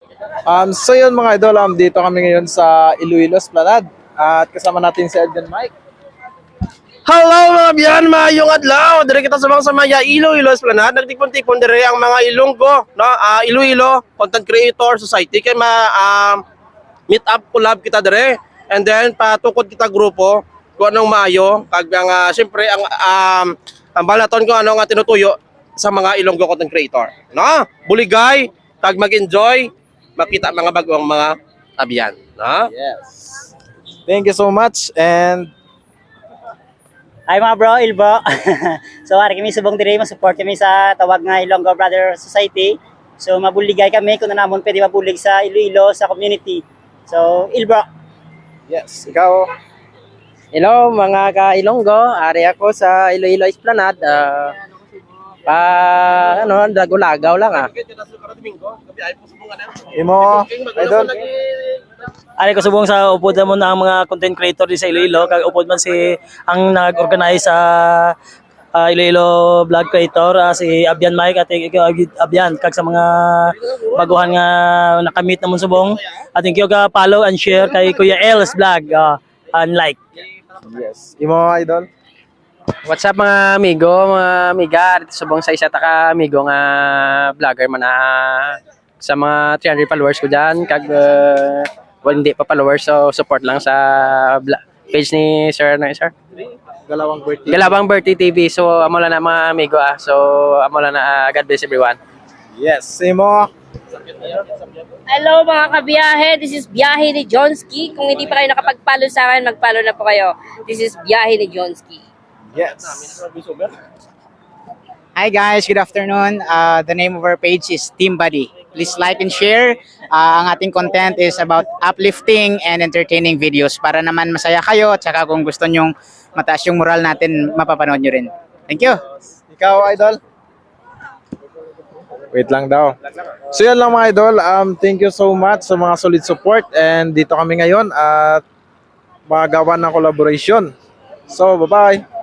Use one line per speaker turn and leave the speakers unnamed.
So yun mga idol, dito kami ngayon sa Iloilo Esplanade at kasama natin si Edgan Mike.
Hello mga biyan, mayong adlaw. Dire kita sa mga Iloilo Esplanade. Nagtipon-tipon dire ang mga Ilonggo, no? Iloilo Content Creator Society kay meet up collab kita dire. And then patukod kita grupo kung anong maayo kag ang syempre ang balaton ko ano nga tinutuyo sa mga Ilonggo Content Creator, no? Buligay, kag mag-enjoy, makita mga bagong mga abiyan, no?
Yes. Thank you so much and
Hi mga bro, Ilbo. So ari kami subong diri ma-support kami sa tawag nga Ilonggo Brother Society. So mabuligay kami kung namon pwede mabulig sa Iloilo sa community. So Ilbo.
yes, ikaw.
Hello mga ka-Ilonggo, ari ako sa Iloilo Esplanade. Lagaw-lagaw lang
Imo, idol.
Ari ko subong sa upod mo na ang mga content creator di sa Iloilo kag upod man si ang nag-organize sa Iloilo vlog creator si Abian Mike at Abian kag sa mga baguhan nga nakamit namon subong at thank you ka follow and share kay Kuya Els vlog and like.
Yes. Imo, idol.
What's up mga amigo, mga amiga, dito subong sa isa ta ka amigo nga vlogger man sa mga 300 followers ko diyan kag hindi pa followers so support lang sa page ni Sir Sir
Galawang birthday.
Galawang Birthday TV. So amo lang na mga amigo so amo lang na God bless everyone.
Yes, Imo.
Hello mga kabiyahe, this is Biyahe ni Jonski. Kung hindi pa kayo nakapag-follow sa akin, mag-follow na po kayo. This is Biyahe ni Jonski.
Yes.
Hi guys, good afternoon. The name of our page is Team Buddy. Please like and share. Ang ating content is about uplifting and entertaining videos para naman masaya kayo at saka kung gusto nyong mataas yung moral natin, mapapanood nyo rin. Thank you.
Ikaw, idol. Wait lang daw. So yan lang mga idol. Thank you so much sa mga solid support and dito kami ngayon at magawa ng collaboration. So, bye-bye.